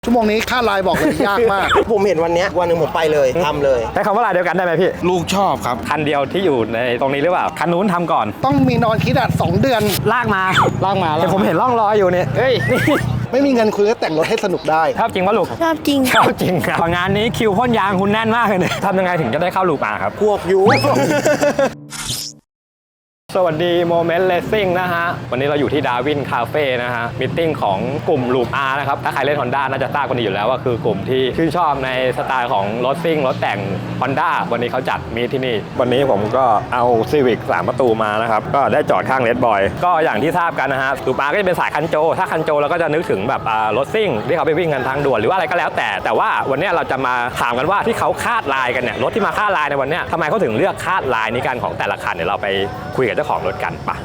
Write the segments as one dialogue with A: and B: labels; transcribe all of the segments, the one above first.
A: ชั่วโมงนี้ค่าไลน์บอกเลยยากมาก
B: ผมเห็นวันหนึ่งผมไปเลยทำเลย
C: ใช้คำว่าลายเดียวกันได้ไหมพี่
D: ลูกชอบครับ
C: คันเดียวที่อยู่ในตรงนี้หรือเปล่าคันนู้นทำก่อน
A: ต้องมีนอนคิดอ่ะ2 เดือน
C: ลากมาแต่ผมเห็นร่องรอยอยู่เนี่ยเฮ้ยนี่
A: ไม่มีเงินคุณก็แต่งรถให้สนุกได้
C: ชอบจริงป่ะลูก
E: ชอบจริง
C: ชอบจริงครับงานนี้คิวพ่นยางคุณแน่นมากเลยเนี่ยทำยังไงถึงจะได้เข้าลูปอาครับ
B: พวกยู
C: สวัสดีโมเมนต์เลสซิ่งนะฮะวันนี้เราอยู่ที่ดาวินคาเฟ่นะฮะมิทติ้งของกลุ่มลูปอาร์นะครับถ้าใครเล่น Honda น่าจะทราบกันดีอยู่แล้วว่าคือกลุ่มที่ชื่นชอบในสไตล์ของรถซิ่งรถแต่ง Honda วันนี้เขาจัดมีที่นี่วันนี้ผมก็เอา Civic 3 ประตูมานะครับก็ได้จอดข้าง Red Boy ก็อย่างที่ทราบกันนะฮะลูปอาร์ก็จะเป็นสายคันโจถ้าคันโจเราก็จะนึกถึงแบบรถซิ่งที่เขาไปวิ่งกันทางด่วนหรือว่าอะไรก็แล้วแต่ว่าวันนี้เราจะมาถามกันว่าที่เขาคาดลายกันเนี่ยรถที่มาคาดลายในวันนี้ทำไมเขาถึงเลือกคาดลายนี้กันของแต่ละคันเดี๋ยวเราไปคุยกับเจ้าของรถกันปะ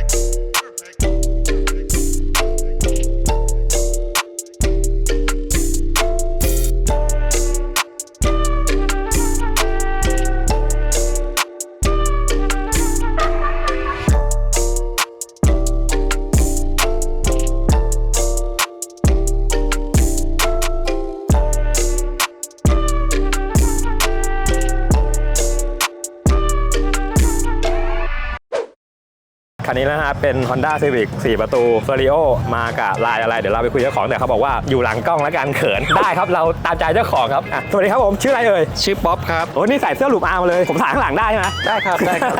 C: คันนี้นะฮะเป็น Honda Civic 4 ประตู Stereo มากับลายอะไรเดี๋ยวเราไปคุยเจ้าของแต่เขาบอกว่าอยู่หลังกล้องแล้วกันเขินได้ครับเราตามใจเจ้าของครับสวัสดีครับผมชื่ออะไรเอ่ย
D: ชื่อป๊อปครับ
C: โอ้นี่ใส่เสื้อลูปอาร์มาเลยผมถ่ายข้างหลังได้ใช่ไหม
B: ได้ครับ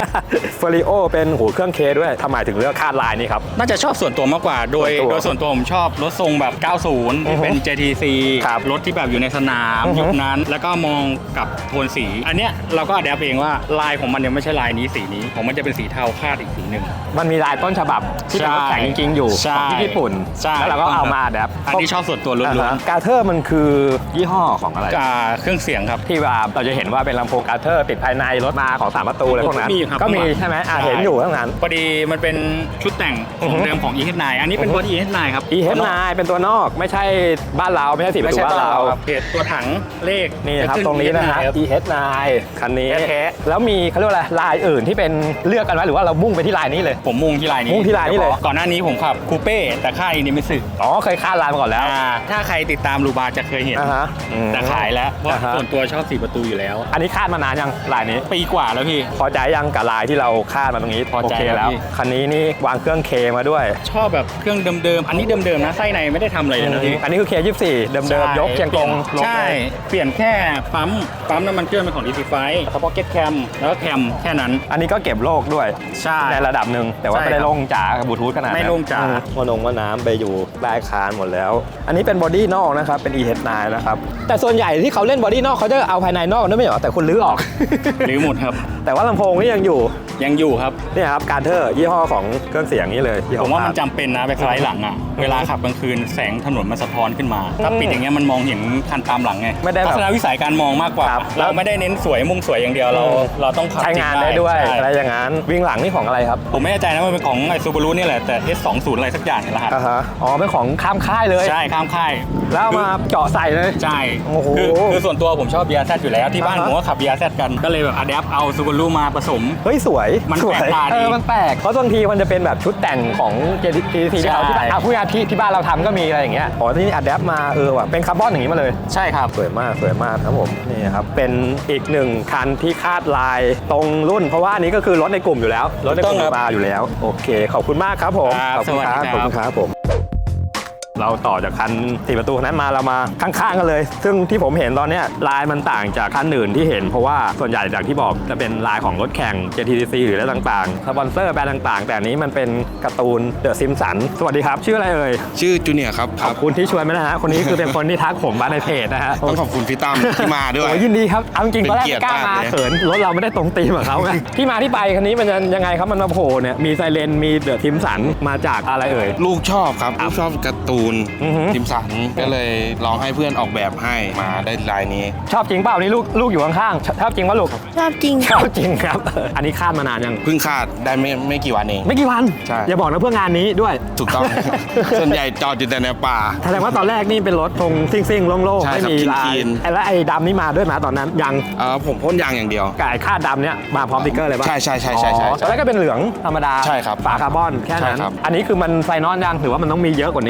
C: Stereo เป็นหูเครื่องเคด้วยทำไมถึงเลือกคาดลายนี้ครับ
D: น่าจะชอบส่วนตัวมากกว่าโดยส่วนตัวผมชอบรถทรงแบบ 90 ที่เป็น JTC รถที่แบบอยู่ในสนามยุคนั้นแล้วก็มองกับโทนสีอันเนี้ยเราก็อัดแอปเองว่าลายของมันยังไม่ใช่ลายนี้สีนี้ของมันจะเป็นสีเทาคาดอีกสีหนึ่ง
C: มันมีลายต้นฉบับที่เป็นรถแข่งจริงๆอยู่ของที่ญี่ปุ่นแล้วเราก็เอามาแบบ
D: อันที่ชอบส่วนตัวล้วน
C: ๆกาเทอร์มันคือยี่ห้อของอะไร
D: เครื่องเสียงครับ
C: ที่ว่าเราจะเห็นว่าเป็นลำโพงกาเทอร์ติดภายในรถมาของ3 ประตูอะไรพวกนั้นก็มีใช่ไหมเห็นอยู่ข้างนั้น
D: พอดีมันเป็นชุดแต่งของเดิมของ EH9 อันนี้เป็นบอดี้ EH9 ครับ
C: EH9 เป็นตัวนอกไม่ใช่บ้านเราไม่ใช่4 ประตูบ้านเรา
D: เพจตัวถังเลข
C: นี่ครับตรงนี้นะฮะ EH9 คันนี้แล้วมีเขาเรียกว่าอะไรลายอื่นที่เป็นเลือกกันไว้หรือว่าเรามุ่งไปที่ลายนี้เลย
D: ผมมุ่งที่ลายนี้เลยก่อนหน้านี้ผมขับคูเป้แต่ค่ายนี้ไม่สึก
C: เคยคาดลายมาก่อนแล้ว
D: ถ้าใครติดตามลูบาจะเคยเห็นแต่ขายแล้วเพราะส่วนตัวชอบ4 ประตูอยู่แล้ว
C: อันนี้คาดมานานยังลายนี้
D: ปีกว่าแล้วพี่
C: พอใจยังกับลายที่เราคาดมาตรงนี้
D: พอใจแล้ว
C: คันนี้นี่วางเครื่องเคมาด้วย
D: ชอบแบบเครื่องเดิมๆอันนี้เดิมๆนะไส้ในไม่ได้ทำอะไรเลยนะพี่
C: อันนี้คือ K24 เดิมๆยกเชียงตรง
D: ใช่เปลี่ยนแค่ปั๊มน้ำมันเครื่องเป็นของ DC5 สป็อกเก็ตแคมแล้วก็แคมแค่นั้น
C: อันนี้ก็เก็บโลกด้วยในระดับหนึ่งแต่ว่าไม่ได้ลงจ๋าบลูทูธขนาด
D: ไม่ลงจ๋า
C: ว่าน้ำไปอยู่ใต้คานหมดแล้วอันนี้เป็นบอดี้นอกนะครับเป็น EH9 นะครับแต่ส่วนใหญ่ที่เขาเล่นบอดี้นอกเขาจะเอาภายในนอกกันด้วยไม่เหรอแต่คุณลื้อออก
D: ลื้อหมดครับ
C: แต่ว่าลำโพงนี่ยังอยู่
D: ครับ
C: นี่ครับการเทอร์ยี่ห้อของเครื่องเสียงนี้เลย
D: ผมว่ามันจำเป็นนะไปสไลด์หลังอ่ะเวลาขับกลางคืนแสงถนนมันสะท้อนขึ้นมาถ้าปิดอย่างเงี้ยมันมองเห็นคันตามหลังไง
C: ไม่ได้
D: ทัศนวิสัยการมองมากกว่าเราไม่ได้เน้นสวยมุ่งสวยอย่างเดียวเราต้อง
C: ใช้งานได้ด้วยอะไรอย่างนั้นวิ่งหลังนี่ของอะไรครับ
D: ผมไม่แน่ใจนะมันเป็นของไอซูบารุนี่แหละแต่ S20 อะไรสักอย่างรหัส
C: เป็นของข้ามค่ายเลย
D: ใช่ข้ามค่าย
C: แล้วมาเจาะใส่เลย
D: ใช่คือส่วนตัวผมชอบ BRZ อยู่แล้วที่บ้านผมก็ขับ BRZ กันก็เลยแบบอะแดปเอาซูบารุมาผสม
C: เฮ้ยสวย
D: มันแปลกตาดี
C: มันแปลกเพราะบางทีมันจะเป็นแบบชุดแต่งของ JTC ที่เราที่พูดง่ายที่บ้านเราทำก็มีอะไรอย่างเงี้ยที่นี่อะแดปมาว่ะเป็นคาร์บอนอย่างนี้มาเลย
D: ใช่ครับ
C: สวยมากครับผมนี่ครับเป็นอีกหนึ่งคันที่คาดลายตรงรุ่นเพราะว่านี้ก็คือรถในกลุ่มอยู่แล้วรถในกลุ่มมาอยู่แล้วโอเคขอบคุณมากครับผม
D: ขอบคุณ
C: ครับผมเราต่อจากคัน4 ประตูนั้นมาเรามาข้างๆกันเลยซึ่งที่ผมเห็นตอนนี้ลายมันต่างจากคันอื่นที่เห็นเพราะว่าส่วนใหญ่จากที่บอกจะเป็นลายของรถแข่ง JTC หรืออะไรต่างๆสปอนเซอร์แบรนด์ต่างๆแต่นี้มันเป็นการ์ตูนเดอะซิมสันสวัสดีครับชื่ออะไรเอ่ย
D: ชื่อจูเนียร์ครับ
C: ขอบคุณที่ชวนมานะฮะคนนี้คือเป็นคนที่ทักผมมาในเพจนะฮะ
D: ต้องขอบคุณพี่ตั้มที่มาด้วย
C: ยินดีครับเอาจริงๆตอนแรกกล้ามาเขินรถเราไม่ได้ตรงตีมกับเขาไงที่มาที่ไปคันนี้มันยังไงครับมันมาโผล่เนี่ยมีไซเรนมีเดอะซิมสันมาจากอะไรเอ่ย
D: ลูกชอบครับลูกชอบการ์ตูนซิมสันก็เลยลองให้เพื่อนออกแบบให้มาได้ลายนี้
C: ชอบจริงเปล่านี่ลูกอยู่ข้างๆชอบจริงป่ะลูก
E: ชอบจริง
C: ครับอันนี้คาดมานานยัง
D: เพิ่งคาดได้ไม่กี่วันเอง
C: ไม่กี่วัน
D: ใช่
C: อย่าบอกนะเพื่องานนี้ด้วย
D: ถูกต้องส่วนใหญ่จอดอยู่แต่ในป่า
C: แสดงว่าตอนแรกนี่เป็นรถทรงซิ่งๆโล่งๆไม่มีลายแล้วไอ้ดำนี่มาด้วยมาตอนนั้นยัง
D: ผมพ่นยางอย่างเดียว
C: ไก่คาดดำเนี่ยมาพร้อมสติ๊กเกอร์เลยป่ะ
D: ใช่
C: ตอนแรกก็เป็นเหลืองธรรมดา
D: ใช่ครับ
C: ฝาคาร์บอนแค่นั้นอันนี้คือมันไฟนอลยังหรือว่ามันต้องมีเยอะกว่านี้หรือว่าเรา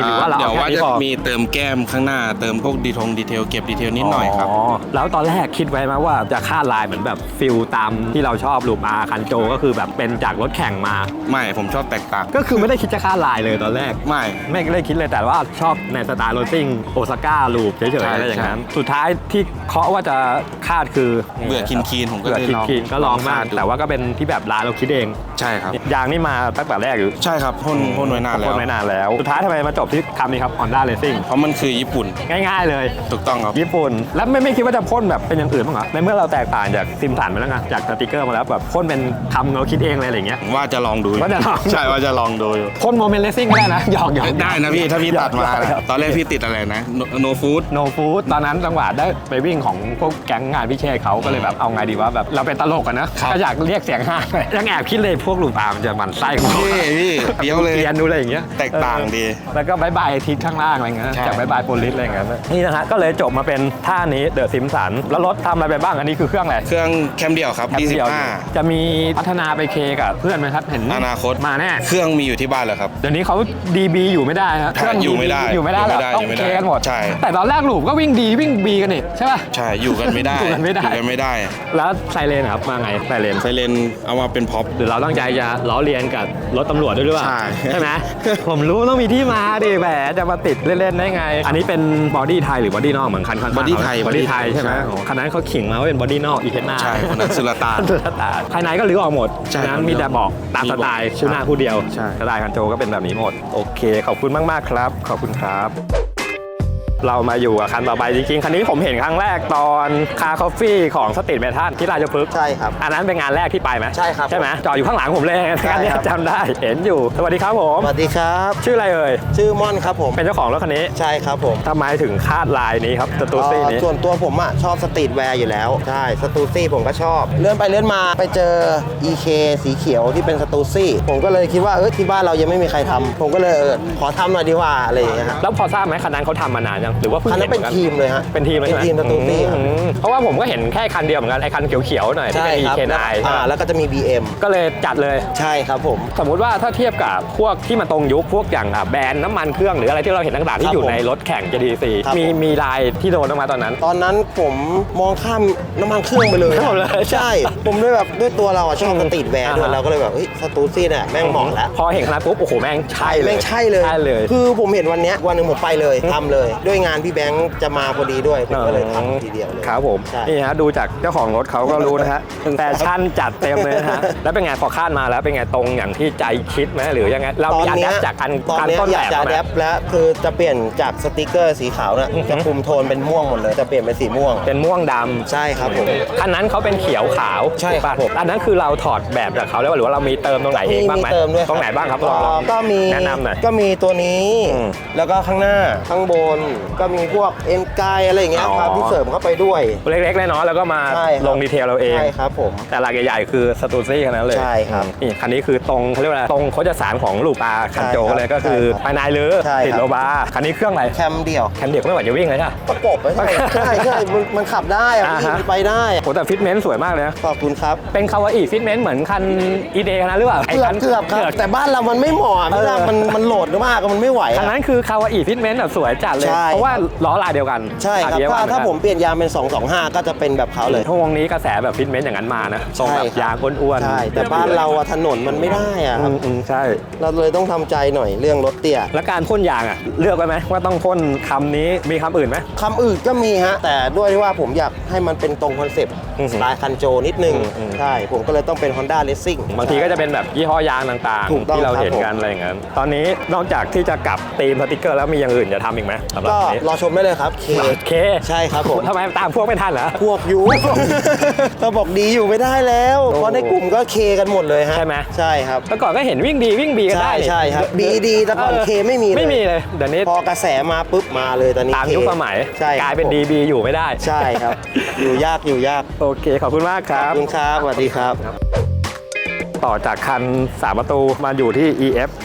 E: แต่ว่า
C: แค่นี้
E: จะ
C: พอ
E: มีเติมแก้มข้างหน้าเติมพวกดีเทลเก็บดีเทลนิดหน่อยครับ
C: แล้วตอนแรกคิดไว้ไหมว่าจะคาดลายเหมือนแบบฟิลตามที่เราชอบลูปอาคันโจก็คือแบบเป็นจากรถแข่งมา
E: ไม่ผมชอบแตกต่าง
C: ก็คือไม่ได้คิดจะคาดลายเลยตอนแรก
E: ไม่
C: ได้คิดเลยแต่ว่าชอบในสไตล์โรซิ่งโอซาก้าลูปเฉยๆ
E: ใช่
C: อะไรอย่างนั้นสุดท้ายที่เคาะว่าจะคาดคือ
E: เบื่อคีนผมก็
C: เบื่อ
E: เลยลอง
C: คินก็ลองมาก
E: คดดู
C: แต่ว่าก็เป็นที่แบบร้านเราคิดเอง
E: ใช่ครับ
C: ยางนี่มาตั้งแต่แรกอยู่
E: ใช่ครับพ่นไว้นานแล้ว
C: พ่นไว้นานแล้วสุดท้ายทำไมมาจบที่คำนี้ครับ Honda Racing
E: เพราะมันคือญี่ปุ่น
C: ง่ายๆเลย
E: ถูกต้องครับ
C: ญี่ปุ่น แล้วไม่คิดว่าจะพ่นแบบเป็นอย่างอื่นบ้างเหรอในเมื่อเราแตกต่างจากซิมสันมาแล้วไงจากสติกเกอร์มาแล้วแบบพ่นเป็นคำเราคิดเองอะไรอย่างเงี้ย
E: ว่าจะลองดู
C: ว่าจะลอง
E: ใช่ว่าจะลองดูอยู่
C: พ่นโมเมนต์เลสซิ่งก็ได้นะหยอก
E: ได้นะพี่ถ้าพี่ตัดมานะตอนแรกพี่ติดอะไรนะโนฟู้ด
C: โนฟูดตอนนั้นจังหวะได้ไปวิ่งของพวกแก๊งงานพิเชษเขาก็เลยแบบเอาไงดีว่าแบบเราเป็นตลกกันนะก็อยากเรียกเสียงห้ายังแอบคิดเลยพวกลูปอาร์มจะหมันไส้กู
E: พี่เปี้ยวเลย
C: เกียนดูอะไรอย่างเงี้ย
E: แตกต่างดี
C: แล้วก็บายบายทิศข้างล่างอะไรเงี้ย
E: ใช่
C: จากบายบายโพลิสอะไรเงี้ยนี่นะฮะก็เลยจบมาเป็นท่านี้เดอะซิมสันแล้วรถทำอะไรไปบ้างอันนี้คือเครื่องอะไร
E: เครื่องแคมเดียวครับ
C: แคปเดียว
E: D15
C: จะมีพัฒนาไปเคกับเพื่อนไหมครับเห็น
E: อนาคต
C: มาแน่
E: เครื่องมีอยู่ที่บ้านแล้วครับ
C: เดี๋ยวนี้เขา DB อยู่ไม่ได้ครับเครื่อง
E: อยู่ไม่ได้
C: อยู่ไม่ได้
E: อยู่
C: แล้
E: ไม่
C: ว
E: ได้
C: ต้อง
E: อยู่ไม่
C: เค
E: ได้
C: กันหมด
E: ใช่
C: แต่ตอนแรกหลูปก็วิ่งดีวิ่ง B กันนี่ใช่ป่ะ
E: ใช่อยู่กันไม่ได้
C: อยู่กันไม่ได้
E: อยู่กันไม่ได้
C: แล้วไซเรนครับมาไงไซเรน
E: ไซเรนเอามาเป็นพ็อป
C: หรือเราตั้งใจจะล้อเลียนกับรถตำรวจด้วยหรือเปล่า
E: ใช่
C: ไหม ผมรู้ต้องมีที่มาดิแหมจะมาติดเล่นๆได้ไง อันนี้เป็นบอดี้ไทยหรือบอดี้นอกเหมือนคันข้างๆ
E: บอดี้ไทย
C: บอดี้ไทยใช่ไหม
E: ใช่
C: โอ้คันนั้นเขาขิงมาว่าเป็นบอดี้นอกอีเทน่า
E: ใช่คนนั้นสุลต่าน
C: สุลต่านภายในก็รื้อออกหมด
E: ใช่
C: ฉะนั้นมีแต่บอกตามสไตล์คู่หน้าคู่เดียว
E: ใช่
C: สไตล์คันโจก็เป็นแบบนี้หมดโอเคขอบคุณมากๆครับขอบคุณครับ เรามาอยู่กับคันต่อไปจริงๆคันนี้ผมเห็นครั้งแรกตอนคาคอฟฟี่ของสตรีทเมทัลที่ราชพฤกษ์
B: ใช่ครับ
C: อันนั้นเป็นงานแรกที่ไปไหม
B: ใช่ครับ
C: ใช่ไหมจอดอยู่ข้างหลังผมเลย
B: ใช่
C: คันนี้
B: ครับ
C: จำได้เห็นอยู่สวัสดีครับผม
B: สวัสดีครับ
C: ชื่ออะไรเอ่ย
B: ชื่อม่อนครับผม
C: เป็นเจ้าของรถคันนี้
B: ใช่ครับผม
C: ทำไมถึงคาดลายนี้ครับสตูซี่นี้
B: ส่วนตัวผมอ่ะชอบสตรีทแวร์อยู่แล้ว ใช่สตูซี่ผมก็ชอบ เลื่อนไปเลื่อนมาไปเจอ EK สีเขียวที่เป็นสตูซี่ผมก็เลยคิดว่าที่บ้านเรายังไม่มีใครทำผมก็เลยขอทำหน่อยดีกว่าอะไรอย่างเงี้ยฮะ
C: แล้วพอทราบไหมคันนั้นเขาทำมานานยังหรือว่าเพิ่ง
B: คันนั้น
C: เห็น
B: เป็น
C: หมือกั
B: ทีมเลยฮะ
C: เป็นทีมเลยใช่ไหม
B: เป็นทีมสตูซี่ครับ
C: เพราะว่าผมก็เห็นแค่คันเดียวเหมือนกันไอ้คันเขียวๆหน่อยที่
B: ใช่
C: เป็น
B: ครับ
C: EK9 ใช่ไหม
B: แล้วก็จะมี BM
C: ก็เลยจัดเลย
B: ใช่ครับผม
C: สมมุติว่าถ้าเทียบกับพวกที่มันตรงยุคพวกอย่างแบรนด์น้ำมันเครื่องหรืออะไรที่เราเห็นต่างๆที่
B: ครับ
C: อยู่
B: ผม
C: ในรถแข่ง GT4
B: ครับ
C: มีลายที่โดนออกมาตอนนั้น
B: ตอนนั้นผมมองข้ามน้ำมันเครื่องไปเลย
C: ข้ามหมดเลย
B: ใช่ ผมด้วยแบบด้วยตัวเราอะชอบสตรีทแวร์ด้วย
C: อ่าฮะ
B: เราก็เลยแบบสตูซี่เนี่ยแม่งเหมาะแล้ว
C: พอเห็นขนาดปุ๊บโอ้โหแม่งใช่เลย
B: แม่งใช่เลย
C: ใช่เลย
B: คือผมเห็นวันเนี้ยวันหนึ่งผมไปเลยทำเลย ด้วยงานพี่แบงค์จะมาพอดีด้วยผมก็เลยทำทีเดียวเลย
C: ครับผม
B: ใช่
C: นี่ฮะดูจากเจ้าของรถเขาก็รู้นะฮะแฟชั่นจัดเต็มเลยนะฮะแล้วเป็นไงพอคาดมาแล้วเป็นไงตรงอย่างที่ใจคิดไหมหรือยังไงเรามีอันดับจากอัน
B: ตอนเนี้ย
C: ต้น
B: อ
C: แบ
B: ยาก
C: บ
B: จะ
C: ไหม
B: แดปแล้วคือจะเปลี่ยนจากสติกเกอร์สีขาวน่ะจะคุมโทนเป็นม่วงหมดเลยจะเปลี่ยนเป็นสีม่วง
C: เป็นม่วงดำ
B: ใช่ครับผม
C: อันนั้นเขาเป็นเขียวขาว
B: ใช่ครับ
C: ถูกปะอันนั้นคือเราถอดแบบจากเขาแล้วหรือว่าเรามีเติมตรงไหนเองบ้างไหม
B: เติมด้วย
C: ตรงไหนบ้างครับลอง
B: ก็มี
C: แนะนำหน่อย
B: ก็มีตัวนี้
C: อืม
B: แล้วก็ข้างหน้าข้างบนก็มีพวกเอ็นไกอะไรอย่างเงี้ยครับ
C: อ๋อ
B: ที่เสริมเข้าไปด้วย
C: เล็กๆน้อยๆแล้วก็มา
B: ใช่ครับ
C: ลงดีเทลเราเอง
B: ใช่ครับผม
C: แต่หลักใหญ่ๆคือสตูซี่คันนั้นเลย
B: ใช่ครับ
C: นี่คันนี้คือตรงเขาเรียกว่าอะไรตรงโคจรสารของลูปอาคันโจ
B: ใช่ครับ
C: เลยก็คือ
B: ใช่ครับ
C: ภายในหรือ
B: ใช่ครับ
C: ติดโลบาร์คันนี้เครื่องอะไร
B: แคมเดี่ยว
C: แคนเดียก็ไม่ไหวจะวิ่งเลยใช่ปะ
B: ประกบไม่ใช่ใช่ใช่มันขับได้อะ
C: อ่าฮะ
B: มันไปได้
C: โหแต่ฟิตเมนต์สวยมากเลยนะ
B: ขอบคุณครับ
C: เป็นคาวาอิฟิตเมนต์เหมือนคันอีเดคันนั้นหรือเปล่าไอ้
B: เกือ
C: คั
B: บ
C: น
B: เกือบครับแต่บ้านเรามันไม่เหมาะพี่
C: เออ
B: ดามันโหลดมากมันไม่ไหว
C: คัน
B: อะ
C: นั้นคือคาวาอิฟิตเมนต์แบบสวยจัดเลย
B: ใช่
C: เพราะว่าล้อลายเดียวกัน
B: ใช่ครับ
C: เดียวกัน
B: ถ้า
C: เห
B: ผ
C: อน
B: ม
C: กัน
B: เปลี่ยนยางเป็น 225 ก็จะเป็นแบบเขาเลย
C: ช่วงนี้กระแสแบบฟิตเมนต์อย่างนั้นมานะทรงแบบ
B: ใช่ครับ
C: ยางอ้วนๆ
B: ใช่แต่บ้านเราอะถนนมันไม่ได้อะครับ
C: ใช่
B: เราเลยต้องทำใจหน่อยเรื่องรถเตี้ย
C: แล้วการพ่นยางอ่ะเลือกไว้ไหมว่าต้องพ่นคำนี้มีคำอื่นไหม
B: คำอื่นก็มีฮะแต่ด้วยที่ว่าผมอยากให้มันเป็นตรงคอนเซปต์
C: อือหือ
B: สไตล์คันโจนิดนึง
C: อืม
B: ใช่ผมก็เลยต้องเป็น Honda Racing
C: บางทีก็จะเป็นแบบยี่ห้อยางต่าง
B: ถูก
C: ๆ
B: ต้อง
C: ที่เรา
B: ครับ
C: เห็นกัน
B: ผม
C: อะไรอย่างนั้นตอนนี้นอกจากที่จะกลับธีมสติกเกอร์แล้วมีอย่างอื่นจะทำอีกไหมสำหรับ
B: ก็
C: อันนี้
B: รอชมได้เลยครับ
C: เค
B: ใช่ครับผม
C: ทำไมตามพวกไม่ทันเหรอ
B: พวกอยู่ เราบอกดีอยู่ไม่ได้แล้ว
C: โอ้
B: เพราะในกลุ่มก็เคกันหมดเลยฮะ
C: ใช่ไหม
B: ใช่ครับ
C: เมื่อก่อนก็เห็นวิ่งดีวิ่งบีกัน
B: ใช่
C: ได้นี่
B: ใช่ครับบีดีแต่ก่อนเคไม่มีเลย
C: ไม่มีเลยเดี๋ยวนี้
B: พอกระแสมาปุ๊บมาเลยตอนนี้
C: ตาม
B: เค
C: ยุคสมัย
B: ใช่ครับ
C: กลายเป็นดีบีอยู่ไม่ได้
B: ใช่ครับ อยู่ยากอยู่ยาก
C: โอเคขอบคุณมากค
B: ข
C: รั
B: อบบ คุณครับสวัสดีครับ
C: ต่อจากคัน3ประตูมาอยู่ที่ EF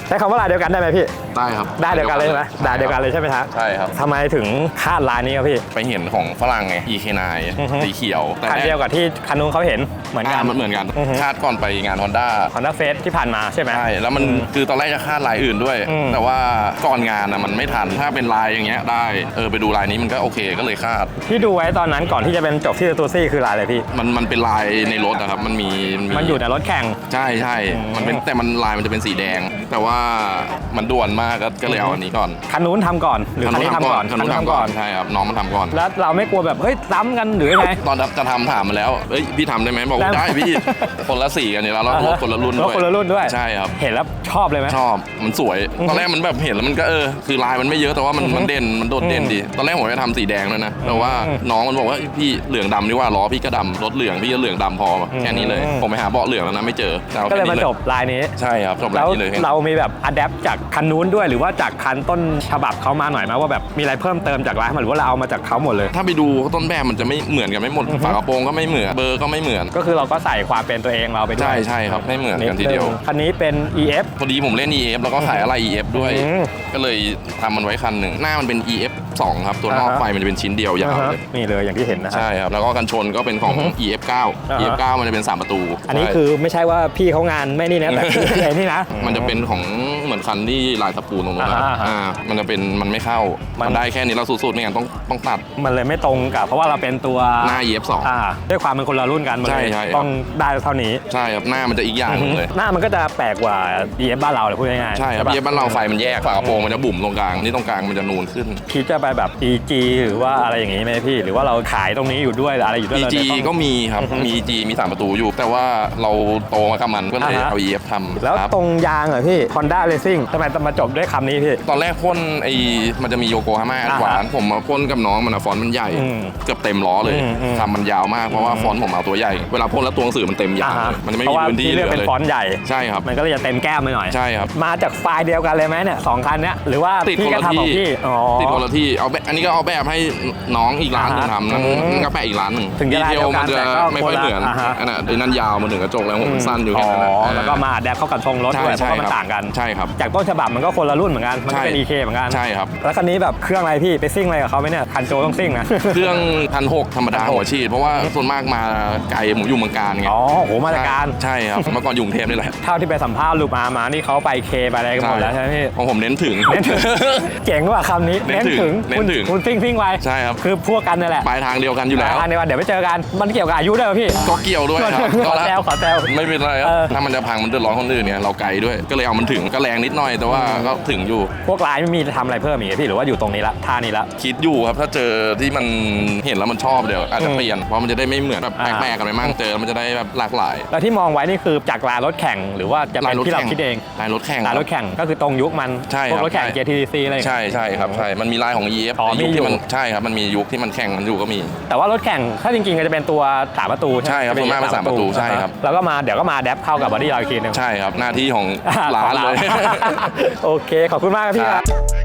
C: ใช้คำว่าลายเดียวกันได้ไหมพี่
E: ได้ครับ
C: ได้เดียวกันเลยใช่ไหมได้เดียวกันเลยใช่ไหมฮะ
E: ใช่ครับ
C: ทำไมถึงคาดลายนี้ครับพี่
E: ไปเห็นของฝรั่งไง EK9 สีเขียวแต่
C: คันเดียวกับที่คันนู้นเขาเห็นเหมือนกัน
E: มันเหมือนกัน
C: อือฮึ
E: คาดก่อนไปงาน Honda
C: Honda Face ที่ผ่านมาใช่ไหม
E: ใช่แล้วมันคือตอนแรกจะคาดลายอื่นด้วย
C: อืม
E: แต่ว่าก่อนงานนะมันไม่ทันถ้าเป็นลายอย่างเงี้ยได้ไปดูลายนี้มันก็โอเคก็เลยคาด
C: ที่ดูไว้ตอนนั้นก่อนที่จะเป็นจบที่ตูซี่คือลายอะไรพี่
E: มันเป็นลายในรถนะครับมันมี
C: มันอยู่ในรถแข่ง
E: ใช่ใช่
C: อืม
E: มันเป็นแต่มันลายมันจะเป็นสีแดง แต่ว่ามันด่วนมากก็เลยเอาอันนี้ก่อน
C: คันนู้นทำก่อนหรือคันนี้ทำก่อน
E: คันนู้นทำก่อนใช่ครับน้องมันทำก่อน
C: แล้วเราไม่กลัวแบบเฮ้ยซ้ำกันหรือยังไง
E: ตอนจะทำถามมาแล้วเอ้ยพี่ทำได้ไหมบอกว่า
C: ได้
E: ได้พี่คนละสีกันอยู่แล้วรถคนละรุ่น
C: ร
E: ด้
C: ถ
E: วย
C: คนละรุ่นด้วย
E: ใช่ครับ
C: เห็นแล้วชอบเลยไหม
E: ชอบมันสวยตอนแรกมันแบบเห็นแล้วมันก็คือลายมันไม่เยอะแต่ว่ามันเด่นมันโดดเด่นดีตอนแรกผมจะทำสีแดงเลยนะแต่ว่าน้องมันบอกว่าพี่เหลืองดำดีกว่าล้อพี่ก็ดำรถเหลืองพี่ก็เหลืองดำพอแค่นี้เลยผมไปหาเบาะเหลืองแล้วนะไม่เจออ
C: ก็เลย
E: แค่
C: มา
E: นี้
C: จบลายนี้
E: ใช่ครับจบแล้
C: แล้ว ว
E: นี่เลย
C: เรามีแบบอัดแอปจากคันนู้นด้วยหรือว่าจากคันต้นฉบับเขามาหน่อยไหมว่าแบบมีอะไรเพิ่มเติมจากร้านมาหรือว่าเราเอามาจากเขาหมดเลย
E: ถ้าไปดูต้นแบบมันจะไม่เหมือนกันไม่หมดฝากระโปรงก็ไม่เหมือนเบอร์ก็ไม่เหมือน
C: ก็คือเราก็ใส่ความเป็นตัวเองเราไปด้วย
E: ใช่ใช่ครับไม่เหมือนกันทีเดียว
C: คันนี้เป็น EF
E: พอดีผมเล่น EF แล้วก็ขายอะไร EF ด้วย
C: อืม
E: ก็เลยทำมันไว้คันหนึ่งหน้ามันเป็น EF 2 ครับ ตัวนอกไฟมันจะเป็นชิ้นเดียวยาวเลย
C: นี่เลยอย่างที่เห็นนะฮะ
E: ใช่ครับ แล้วก็กันชนก็เป็นของ EF 9 EF 9 มันจะเป็น 3 ประตู
C: อันนี้
E: ใช่
C: คือไม่ใช่ว่าพี่เขางานไม่นี่นะแต่คือไอ้นี่นะ
E: มันจะเป็นของเหมือนคันที่ลายตะปูตรงนู้นนะครับ
C: อ่า
E: มันจะเป็นมันไม่เข้า
C: มั
E: มัน นได้แค่นี้เราสุดๆไม่งั้นต้องตัด
C: มันเลยไม่ตรงกับเพราะว่าเราเป็นตัว
E: หน้า EF
C: ด้วยความเป็นคนละรุ่นกันมันเลย
E: ใช่
C: ต้องได้เท่านี้
E: 2ใช่ครับหน้ามันจะอีกอย่างหนึงเลย
C: หน้ามันก็จะแปลกกว่า EF บ้านเราเลยพูดง่ายๆ
E: ใช่ครับ
C: ปะ
E: EF บ้านเราไฟมันแยกฝากระโปรงมันจะบุ๋มตรงกลางนี่ตรงกลางมันจะนูนขึ้น
C: คิดจะไปแบบ EG หรือว่าอะไรอย่างนี้ไหมพี่ หรือว่าเราขายตรงนี้อยู่ด้วยหรืออะไรอยู่ด้วย
E: EG
C: เลยต้อง
E: ก็มีครับ มี EG มี 3 ประตูอยู่ แต่ว่าเราโตมากับมันก็เลย
C: อ่าฮะ
E: เอา EF ทำ
C: แล้ว
E: ครับ
C: ตรงยางเหรอพี่ Honda Racing ทำไมต้องมาจบด้วยคำนี้พี่
E: ตอนแรกพ่นมันจะมีโยโกฮาม่าแอดวานผมมาพ่นกับน้องมันฟอนต์มันใหญ่
C: อืม
E: เกือบเต็มล้อเลย
C: อืม
E: ทำมันยาวมากเพราะว่าฟอนต์ผมเอาตัวใหญ่ เวลาพ่นแล้วตัวหนังสือมันเต็มยาวเลยมันจะไม่
C: เพราะ
E: มี
C: ว่า
E: พื้นที่
C: ที่
E: เห
C: เลื
E: ลื
C: อก
E: อ
C: เป็น
E: เลย
C: ฟอนต์ใหญ่
E: ใช่ครับ
C: มันก็เลยจะเต็มแก้มไปหน่อย
E: ใช่ครับ
C: มาจากไฟล์เดียวกันเลยไหมเนี่ยสองคันเนี้ยหรือว่า
E: ติด
C: พี่
E: คน
C: ก็
E: ละ
C: ทำของ
E: ที่
C: พี่อ๋อ
E: ติดคนละที่เอาแบบอันนี้ก็เอาแบบให้น้องอีกร้านหนึงทำนั่น
C: อืม
E: ก็แปะอีกร้านหนึ่ง
C: ถึงจะ
E: ดี
C: ลาย
E: เท
C: เดี
E: ล
C: ยวกั
E: มัน นจะ
C: แต่ก็
E: ไม่ค่อยเหมือน
C: อ่าฮะ
E: อันนั้นยาวมาถึงกระจกแล้วผมสั้นอยู่แค่นั้นนะ
C: แล้วก็มาแดปเข้ากับทรงรถด้วยเพ
E: ใช่
C: ราะว่ามัน
E: ครับ
C: ต่างกัน
E: ใช่ครับ
C: จากต้นฉบับมันก็คนละรุ่นเหมือนกัน มันก็เป็น
E: ใช่
C: EK เหมือนกัน
E: ใช่ครับ
C: แล้วคันนี้แบบเครื่องอะไรพี่ไปซิ่งอะไรกับเขาไหมเนี่ยคันโจต้องซิ่งนะ
E: เครื่อง1,600ธรรมดา
C: 1,600
E: หัวฉีดเพราะว่าส่วนมากมาไกลผมอยู่เมืองการไง
C: อ๋อโหมาตรการ
E: ใช่ครับเมื่อก่อนอยู่กรุงเทพนี่แหละ
C: เท่าที่ไปสัมภาษณ์ลูกมานี่เขาไปเคไปอะไรกันหมดแล้วใช่ไหมพี่
E: ของผมเน้นถึง
C: เน้นถึง เจ๋งว่ะคำนี้
E: เน้นถึงเน้นถึง
C: คุณซิ่งไว้
E: ใช่ครับ
C: คือพวกกันนั่นแหละ
E: ปลายทางเดียวกันอยู่แล้ว
C: ทางเดียวกันเดี๋ยวไปเจอกันมันเกี่ยวกับอายุด้วยป่ะพี่
E: ก็เกี่ยวด้วยครับ
C: ขอแซวขอแซว
E: ไม่เป็นไรครับ
C: เออ
E: ถ้ามันจะพังมันเดือดร้อนคนอื่นเนี่ยเราไกลด้วย ก็เลยเอามันถึงก็แรงนิดหน่อยแต่ว่าก็ถึงอยู่
C: พวกลายไม่มีทำอะไรเพิ่มอีกไหมพี่หรือว่าอยู่ตรงนี้ละท่านี้ละ
E: คิดอยู่ครับถ้าเจอที่มันเห็นแล้วมันชอบเดี๋ยวอาจจะ
C: อืม
E: เปลี่ยนเพราะมันจะได้ไม่เหมือนแบบ
C: อ่า
E: แปลกๆกันไปมั่งเจอมันจะได้แบบหลากหลาย
C: แล้วที่มองไว้นี่คือจากลายรถแข่งหรือว่าจะเป็นที่เราคิดเอง
E: ลายรถแข่ง
C: ลายรถแข่งก็คือตรงยุคมัน
E: ใช่
C: พว
E: ค
C: ก
E: รับ
C: รถแข่ง GTC อะไร
E: ใช่ใช่ครับใช่มันมีลายของ EF
C: อ๋อ
E: ในยุค
C: มีอยู่
E: ที่มันใช่ครับมันมียุคที่มันแข่งมันอยู่ก็มี
C: แต่ว่ารถแข่งถ้าจริงๆก็จะเป็นตัว3ประตูใช่ไหม
E: ใช่ครับส่วนมากเป็น3ประตูใช่ครับ
C: แล้วก็มาเดี๋ยวก็มาแดปเข้ากับบอดี้เราอีกทีหนึง
E: ใช่ครับหน้าที่ของร้านเลย
C: โอเคขอบคุณมากครับพี่ครับ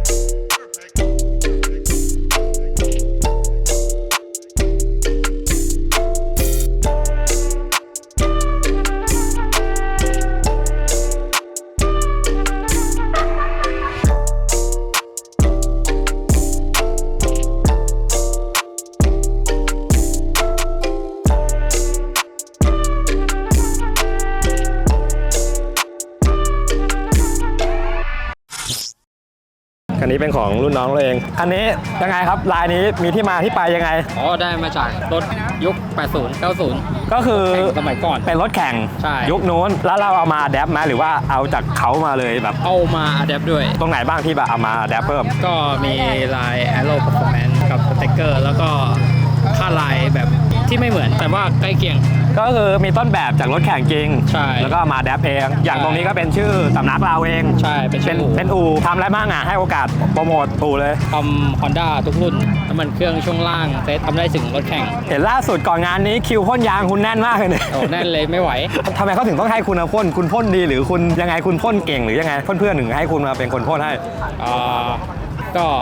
C: คันนี้เป็นของรุ่นน้องเราเองอันนี้ยังไงครับลายนี้มีที่มาที่ไปยังไง
F: อ๋อได้มาจากรถยุค 80 90
C: ก็คือ
F: แข่งสมัยก่อน
C: เป็นรถแข่ง
F: ใช่
C: ยุคนู้นแล้วเราเอามาแดปไหมหรือว่าเอาจากเขามาเลยแบบ
F: เอามาอัดแอปด้วย
C: ตรงไหนบ้างที่แบบเอามาแดปเพิ่ม
F: ก็มีลาย Aero Performance กับสเต็กเกอร์แล้วก็ค่าลายแบบที่ไม่เหมือนแต่ว่าใกล้เคียง
C: ก็คือมีต้นแบบจากรถแข่งจริง
F: ใช่
C: แล้วก็มาแดปเองอย่าง
F: ใช่
C: ตรงนี้ก็เป็นชื่อสำนักเราเอง
F: ใช่เป็นชื่ออู่
C: เป็นอู่ทำอะไรบ้างอ่ะให้โอกาสโปรโมทอู่เลย
F: ทำ Honda ทุกรุ่นน้ำมันเครื่องช่วงล่างเซตทำได้ถึงรถแข่ง
C: เห็นล่าสุดก่อนงานนี้คิวพ่นยางคุณแน่นมากเลยเนี่ย
F: โอ้แน่นเลยไม่ไหว
C: ทำไมเขาถึงต้องให้คุณมาพ่นคุณพ่นดีหรือคุณยังไงคุณพ่นเก่งหรือยังไงเพื่อนๆถึงให้คุณมาเป็นคนพ่นให้
F: ก็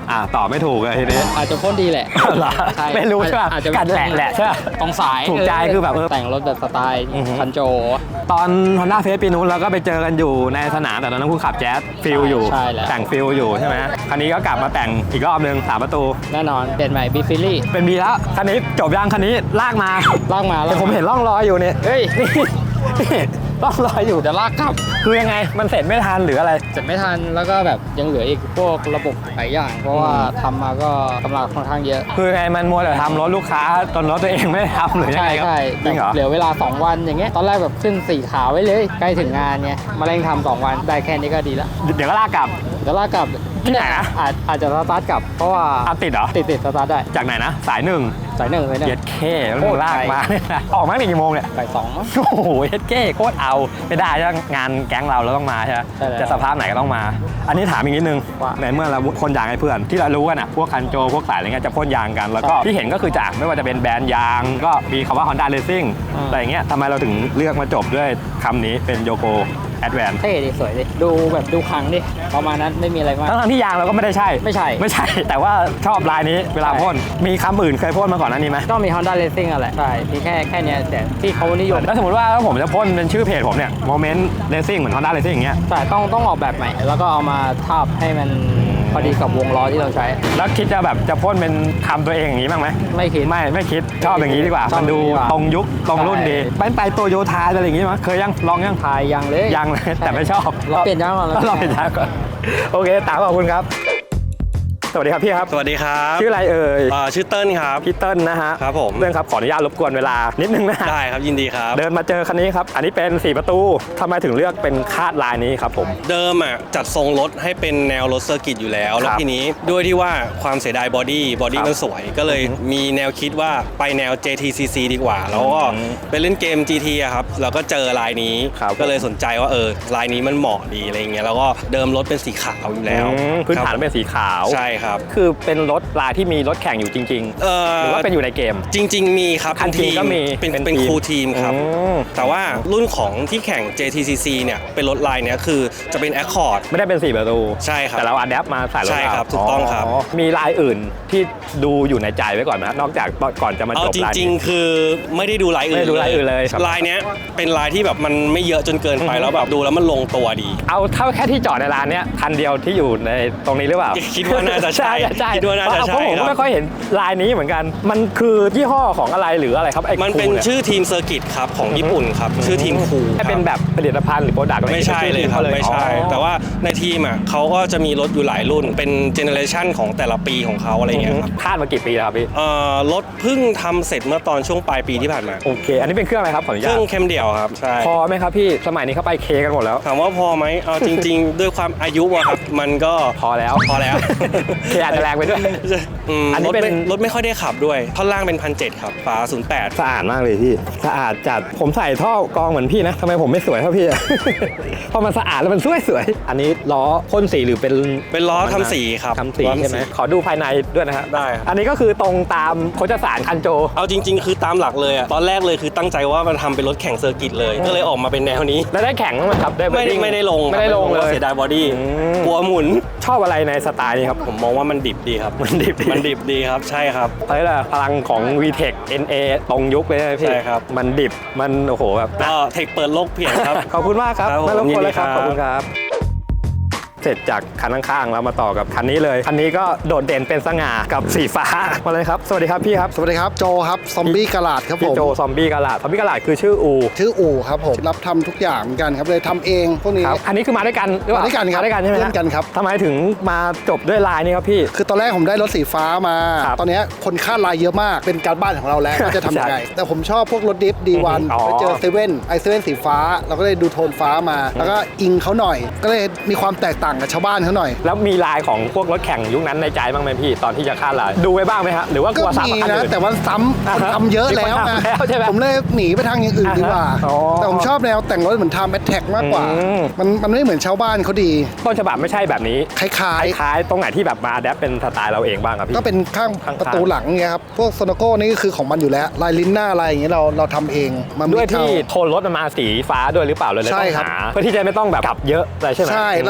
C: ตอบไม่ถูกเลยทีนี้
F: อาจจะพ่นดีแหละ
C: เหรอ
F: ใช่
C: ไม่รู้ใช่ป่ะ
F: อาจจะ
C: กันแหละใช่ป่ะ
F: ตรงสาย
C: ถูกใจคือแบบ
F: แต่งรถแบบสไตล์คันโจ
C: ตอน Honda Face ปีนู้นเราก็ไปเจอกันอยู่ในสนามแต่ตอนนั้นคุณขับแจ๊สฟิลอยู่
F: ใช่แล้ว
C: แต่งฟิลอยู่ใช่ไหมคันนี้ก็กลับมาแต่งอีกรอบนึง3 ประตู
F: แน่นอนเปลี่ยนใหม่บีฟิลี่
C: เป็นบีแล้วคันนี้จบยังคันนี้ลากมา
F: ลากมา
C: แต่ผมเห็นร่องรอยอยู่เนี่ย
F: เฮ้ย
C: นี่ร่องรอยอยู่
F: เดี๋ยวลากกลับ
C: คือยังไงมันเสร็จไม่ทันหรืออะไร
F: เสร็จไม่ทันแล้วก็แบบยังเหลืออีกพวกระบบหลายอย่าง เพราะว่าทำมาก็กำลังค่อนข้างเยอะ
C: คือไงมันมัวแต่ทำรถลูกค้าจนรถตัวเองไม่ได้ทำหรือยัง
F: ใช่
C: ไงครับ
F: ใช่
C: จริงเหรอ
F: เหลือเวลา 2 วันอย่างเงี้ยตอนแรกแบบขึ้น4ขาไว้เลยใกล้ถึงงานไงมาเร่งทำ2 วันได้แค่นี้ก็ดีแล้ว
C: เดี๋ยวก็ลากกลับ
F: เดี๋ยวลากกลับ
C: ที่ไหนนะ
F: อาจจะสตาร์ทกลับเพราะว่า
C: ติดเหรอ
F: ติดสตาร์ทได้
C: จากไหนนะสายหนึ่ง
F: สายหนึ่งเลยเนี่ย
C: เย็ดเคแล้วมึงลากมาเนี่ยนะออกมากี่โมงเนี่ย
F: สายสองมั้ง
C: โอ้โหเย็ดเคโคตรเอาไม่ได้ใช่ไหมงานแก๊งเราต้องมาใช่ไหม
F: ใช่แล้ว
C: จะสภาพไหนก็ต้องมา อันนี้ถามอีกนิดนึง
F: ว่า
C: ในเมื่อเราพ่นยางให้เพื่อนที่เรารู้กันอ่ะพวกคันโจพวกสายอะไรเงี้ยจะพ่นยางกันแล้วก็
F: ครับ
C: ที่เห็นก็คือจากไม่ว่าจะเป็นแบรนด์ยางก็มีคำว่า Honda Racing
F: อืม
C: แต่อย่างเงี้ยทำไมเราถึงเลือกมาจบด้วยคำนี้เป็นโยโกแอดแวน
F: เท่ดิสวยดิดูแบบดูครั้งดิประมาณนั้นไม่มีอะไรมาก
C: ทั้งที่ยางเราก็ไม่ได้ใช่
F: ไม่ใช่
C: ไม่ใช่ แต่ว่าชอบลายนี้เวลาพ่นมีคำอื่นเคยพ่นมาก่อนหน้านี้ไหม
F: ก็มี Honda Racing อ่ะแหละใช่มีแค่เนี้ยแต่ที่เขานิยม
C: แล้วสมมติว่าถ้าผมจะพ่นเป็นชื่อเพจผมเนี่ย Moment Racing เหมือน Honda Racing อย่างเงี้ย
F: แต่ต้องออกแบบใหม่แล้วก็เอามาทาบให้มันพอดีกับวงล้อที่เราใช้
C: แล้วคิดจะแบบจะพ่นเป็นคำตัวเองอย่างนี้บ้างไหม
F: ไม่คิด
C: ไม่คิดชอบอย่างนี้ดีกว่า
F: ชอบ
C: มันดู
F: อย่างนี้ดีกว่า
C: ตรงยุคตรงรุ่นดี
F: ใช่
C: เป็นไปโตโยธาอะไรอย่างงี้มั้ยเคยยังลองยัง
F: ทายยังเลย
C: ยังเลยแต่ไม่ชอบ
F: เราเปลี่ยนยางก่อน
C: เราเปลี่ยนยางก่อนโอเคตามขอบคุณครับ สวัสดีครับพี่ครับ
G: สวัสดีครับ
C: ชื่ออะไรเอ่ย
G: ชื่อเติ้ลครับ
C: พี่เติ้ลนะฮะ
G: ครับผม
C: เรื่องครับขออนุญาตรบกวนเวลานิดนึงนะฮะ
G: ได้ครับยินดีครับ
C: เดินมาเจอคันนี้ครับอันนี้เป็น4 ประตูทำไมถึงเลือกเป็นคาดลายนี้ครับผม
G: เดิมอ่ะจัดทรงรถให้เป็นแนวรถเซอร์กิตอยู่แล้ว แล้ว
C: ครับ
G: ทีนี้ด้วยที่ว่าความเสียดายบอดี้
C: ครับ
G: มันสวย ก็เลยมีแนวคิดว่าไปแนว JTCC ดีกว่า แล้วก็ไปเล่นเกม GT อะครับแล้วก็เจอลายนี้
C: ครับ
G: ก็เลยสนใจว่าลายนี้มันเหมาะดีอะไรอย่างเงี้ยแล้วก็เดิมรถเป็นสีขาวอยู่แล้ว
C: พื้นฐาน
G: ครับ
C: เป็นสีขาว
G: ใช่ครับ
C: คือเป็นรถลายที่มีรถแข่งอยู่จริงๆหรือว่าเป็นอยู่ในเกม
G: จริง ๆ มีครับ
C: คันจริงก็มี
G: เป็น
C: เป็น
G: เป็น
C: ทีม
G: ครูทีมครับ
C: อืม
G: แต่ว่ารุ่นของที่แข่ง JTCC เนี่ยเป็นรถลายเนี้ยคือจะเป็น Accord
C: ไม่ได้เป็น4 ประตู
G: ใช่ครับ
C: แต่เราอัดแอปมาใส่รถ
G: ใช่ครับ
C: เา
G: ถูกต้องครับ
C: มีลายอื่นที่ดูอยู่ในใจไว้ก่อนไหมนอกจากก่อนจะมา
G: เอา
C: จบ
G: จ
C: ลาย
G: ริ
C: นี้
G: ง ๆ คือไม่ได้ดูลายอื่น
C: ไม่ได้ดูลายอื่นเลยครับ
G: ลายเนี้ยเป็นลายที่แบบมันไม่เยอะจนเกินไปแล้วแบบดูแล้วมันลงตัวดี
C: เอาเท่าแค่ที่จอดในร้านเนี้ยคันเดียวที่อยู่ในตรงนี้หรือเปล่า
G: คิดว่าน่าจะใช่
C: ใช่
G: คิดว่าน่าจะใช่
C: เพราะผม
G: ครั
C: ก็
G: บ
C: ไม่ค่อยเห็นลายนี้เหมือนกัน มันคือยี่ห้อของอะไรหรืออะไรครับไอ้
G: มันเป็น
C: คูย
G: ชื่อทีมเซอร์กิตครับของญี่ปุ่นครับชื่อทีมคู
C: ให้เป็นแบบผลิตภัณฑ์หรือโปรดักต์อะไร
G: ไม่ใช่เลยครับไม่ใช่ แต่ว่าในทีมอ่ะเขาก็จะมีรถอยู่หลายรุ่น เป็นเจเนอเรชันของแต่ละปีของเขาอะไรเงี้ยครับ
C: คาดมากี่ปีแล้วครับพี่
G: รถเพิ่งทำเสร็จเมื่อตอนช่วงปลายปีที่ผ่านมา
C: โอเค อันนี้เป็นเครื่องอะไรครับขออนุ
G: เค
C: ญา
G: รื่
C: ต
G: องเข้มเดี่ยวครับใช่
C: พอไหมครับพี่สมัยนี้เขาไปเคกันหมดแล้ว
G: ถามว่าพอไหมเอาจริง ๆ ด้วยความอายุอะครับมันก็
C: พอแล้ว
G: พอแล้ว
C: เคอาจจะแรงไปด้วย อันนี้
G: รถ
C: เป็น
G: รถไม่ค่อยได้ขับด้วยท่อนล่างเป็น1,700ครับฝา08
C: สะอาดมากเลยพี่สะอาดจัดผมใส่ท่อกรองเหมือนพี่นะทำไมผมไม่สวยเท่าพี่อะ พอมันสะอาดแล้วมันสวยอันนี้ล้อพ่นสีหรือเป็น
G: เป็นล้อทำสีครับ
C: ทำสีใช่ไหมขอดูภายในด้วยนะฮะ
G: ได้ครับ
C: อันนี้ก็คือตรงตามโคจสารคันโจ
G: เอาจริง ๆ คือตามหลักเลยอะตอนแรกเลยคือตั้งใจว่ามันทำเป็นรถแข่งเซอร์กิตเลยก็เลยออกมาเป็นแนวนี้
C: แล้วได้แข่งบ้างไหมครับได้
G: ไม่ได้
C: wedding
G: ไม่ได้ลง
C: ไม่ได้ลงเลย
G: เสียดายบอดี้
C: อืม
G: กลัวหมุน
C: ชอบอะไรในสไตล์นี้ครับ
G: ผมมองว่ามันดิบดีครับ
C: มันดิบดี
G: มันดิบดีครับใช่ครับ
C: เฮ้ยล่ะพลังของ VTEC NA ตรงยุคเลยนะพี่
G: ใช่ครับ
C: มันดิบมันโอ้โหแบบ
G: ก็เทคเปิดโลกเพียงครับ
C: ขอบคุณมากครับ
G: ครับผม
C: ไม่รบกวนเลยครับ
G: ยินดีครับ
C: ขอบคุณครับ เสร็จจากคันข้างๆเรามาต่อกับคันนี้เลยคันนี้ก็โดดเด่นเป็นสง่ากับสีฟ้ามาเลยครับสวัสดีครับพี่ครับ
A: สวัสดีครับโจครับซอมบี้กะลาดครับผ
C: พี่
A: ม
C: โจซอมบี้กะลาดซอมบี้กะลาดคือชื่ออู
A: ชื่ออู่ครับผมรับทำทุกอย่างเหมือนกันครับเลยทำเองพวกนี้
C: ครับอันนี้คือมาด้วยกันหรือเปล่า
A: มาด้วยกันครับ
C: มาด้วยกันใช่ไหมฮะ
A: เพื่อนกันครับ
C: ทำไมถึงมาจบด้วยลายนี้ครับพี่
A: คือตอนแรกผมได้รถสีฟ้ามา
C: ครับ
A: ตอนเนี้ยคนคาดลายเยอะมากเป็นการบ้านของเราแล้วว่าจะทำยังไง
C: ใช่
A: แต่ผมชอบพวกรถดิฟดีวัน
C: อ๋อ
A: ไปเจอเซเว่นไอเซเว่นสีฟ้า เราก็เลยดูโทนฟ้ามา แล้วก็อิงเขาหน่อย ก็เลยมีความแตกต่างกับชาวบ้านเขาหน่อย
C: แล้วมีลายของพวกรถแข่งยุคนั้นในใจบ้างไหมพี่ตอนที่จะคาดลายดูไว้บ้างไหมฮะหรือว่าก
A: ก็
C: ลัวซ้ำ
A: มี
C: กับคัน
A: นะ
C: อื่น
A: แต่ว่าซ้ำคนทำเยอะแล้ว
C: มีคน
A: นะ
C: ทำแล้วใช่ไหม
A: ผมเลยหนีไปทางอย่างอื่นดีกว่า
C: อ๋อ
A: แต่ผมชอบแนวแต่งรถเหมือนทำแอทแทกมากกว่า
C: อืม
A: มันไม่เหมือนชาวบ้านเขาดี
C: ต้นฉบับไม่ใช่แบบนี้
A: คล้าย
C: คล้ายๆตรงไหนที่แบบมาแดปเป็นสไตล์เราเองบ้างครับ
A: ๆ
C: พี่
A: ก็เป็นข้าง
C: ข้างๆ
A: ประตูหลังเงี้ยครับพวกโซโนโก้นี่ก็คือของมันอยู่แล้วลายลิ้นหน้าอะไรอย่างเงี้ยเราทำเองมันไม่
C: ด้วยที่
A: เข้า
C: โทนรถมันมาสีฟ้าด้วยหรือเปล่าเลย
A: ใช่
C: ต้อง
A: ครับ
C: หาเพื่อที่จะไม่ต้องแบบกลับเยอะอะไรใช่ไหม
A: ใช่เราต้องดูสี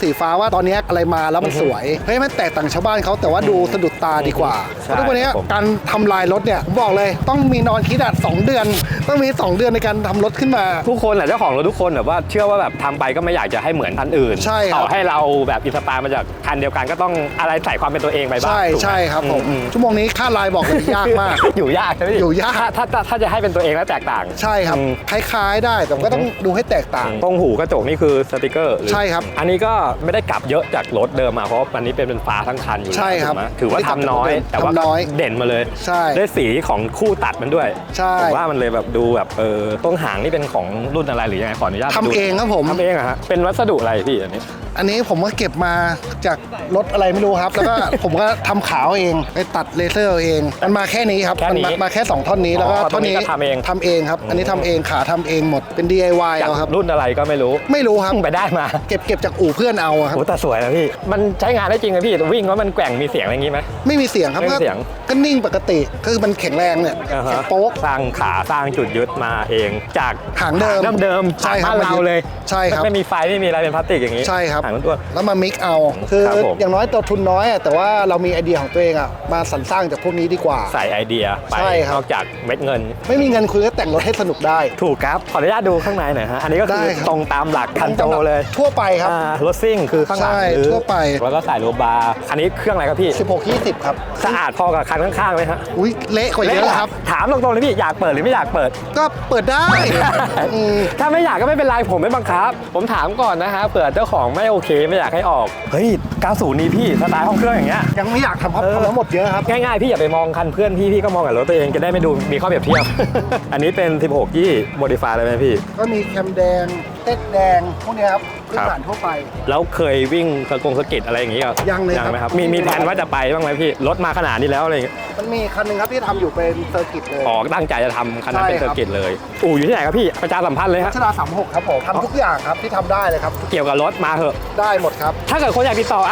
A: สีฟ้าว่าตอนนี้อะไรมาแล้วมันสวยเฮ้ยมันแตกต่างชาวบ้านเขาแต่ว่าดูสะดุดตาดีกว่าเพราะทุกวันนี้การทำลายรถเนี่ยผมบอกเลยต้องมีนอนคิดอ่ะ2 เดือนต้องมี2 เดือนในการทำรถขึ้นมา
C: ทุกคนแหละเจ้าของรถทุกคนแบบว่าเชื่อว่าแบบทำไปก็ไม่อยากจะให้เหมือนคันอื่น
A: ใช่ครับ
C: ต่อให้เราแบบอินสปายมาจากคันเดียวกันก็ต้องอะไรใส่ความเป็นตัวเองไปบ้าง
A: ใช่ครับผมชั่วโมงนี้ค่าลายบอกเลยยากมาก
C: อยู่ยากใช่ไหม
A: อยู่ยาก
C: ถ้าจะให้เป็นตัวเองแล้วแตกต่าง
A: ใช่ครับคล้ายๆได้แต่ก็ต้องดูให้แตกต่าง
C: ตรงหูกระจกนี่คือสติกเกอร์
A: ใช่ครับ
C: อันนี้ก็ไม่ได้กลับเยอะจากรถเดิมมาเพราะอันนี้เป็นฟ้าทั้งคันอยู่
A: ใช่ครับ
C: ถือว่าทำน้อยแต่ว่าเด่นมาเลย
A: ใช่
C: ได้สีของคู่ตัดมันด้วย
A: ใช่
C: ผมว่ามันเลยแบบดูแบบตรงหางนี่เป็นของรุ่นอะไรหรือยังไงขออนุญาต
A: ทำเองครับผม
C: ทำเองอะฮะเป็นวัสดุอะไรพี่
A: อันนี้ผมก็เก็บมาจากรถอะไรไม่รู้ครับแล้วก็ผมก็ทำขาวเองไปตัดเลเซอร์เองมันมาแค่นี้ครับมันมาแค่2 ท่อนนี้แล้วก็ท่อนนี้ทำเองครับอันนี้ทำเองขาทำเองหมดเป็น DIY เอาครับ
C: รุ่นอะไรก็ไม่รู้
A: ครับ
C: ไปได้มา
A: เก็บจากอู่เพื่อนเอาครับ
C: โอ้แต่สวยนะพี่มันใช้งานได้จริงไหมพี่วิ่งแล้วมันแกว่งมีเสียงอะไรอย่างงี้ไหม
A: ไม่มีเสียงครับก็นิ่งปกติก็คือมันแข็งแรงเนี่ยโป๊ก
C: สร้างขาสร้างจุดยึดมาเองจาก
A: หางเดิม
C: ใช่ครับเราเลย
A: ใช่ครับ
C: ไม่มีไฟไม่มีอะไรเป็นพลาสติกอย่างนี้
A: ใช่ครับ
C: หางตัว
A: แล้วมามิกเอาคืออย่างน้อยตัวทุนน้อยแต่ว่าเรามีไอเดียของตัวเองมาสรรสร้างจากพวกนี้ดีกว่า
C: ใส่ไอเดียไปนอกจากเม็ดเงิน
A: ไม่มีเงินคุณก็แต่งรถให้สนุกได้
C: ถูกครับขออนุญาตดูข้างในหน่อยฮะอันนี้ก็คือตรงตามหลักคันโจเลย
A: ทั่วไปครับ
C: รถซิ่งคือข้างหลัง
A: ทั่วไป
C: แล้วก็ใส่โลบาร์อันนี้เครื่องอะไรครับพี่
A: 16-20ครับ
C: สะอาดพอกับคันข้างๆไหมฮะ
A: อุ้ยเละกว่าเยอะครับ
C: ถามตรงๆเลยพี่อยากเปิดหรือไม่อยากเปิด
A: ก็เปิดได้
C: ถ้าไม่อยากก็ไม่เป็นไรผมไม่บังคับผมถามก่อนนะฮะเผื่อเจ้าของไม่โอเคไม่อยากให้ออกเฮ้ย90นี้พี่สไตล์ห้องเครื่องอย่างเงี้ย
A: ยังไม่อยากทำครับทำหมดเยอะครับ
C: ง่ายๆพี่อย่าไปมองคันเพื่อนพี่ก็มองกับรถตัวเองจะได้ไม่ดูมีข้อเปรียบเทียบ อันนี้เป็น16ยี่โมดิฟายเลยไหมพี่
A: ก็มีแคมแดงเต็ดแดงพวกนี้ครับพื้นฐานทั่วไป
C: แล้วเคยวิ่งสกิดอะไรอย่างงี้
A: ยังเลย
C: ครับมีแผนว่าจะไปบ้างไหมพี่รถมาขนาดนี้แล้วอะไร
A: มันมีคันนึงครับที่ทำอยู่เป็นเซอร์กิตเลย
C: ตั้งใจจะทำคันนั้นเป็นเซอร์กิตเลยอยู่ที่ไหนครับพี่ประชาสัมพันธ์เลยครับ
A: รัชดา36ครับผมทำทุกอย่างครับที่ทำได้เลยครับ
C: เกี่ยวกับรถมาเหอะ
A: ได้หมดครับ
C: ถ้าเกิดคนอยากติดต่อ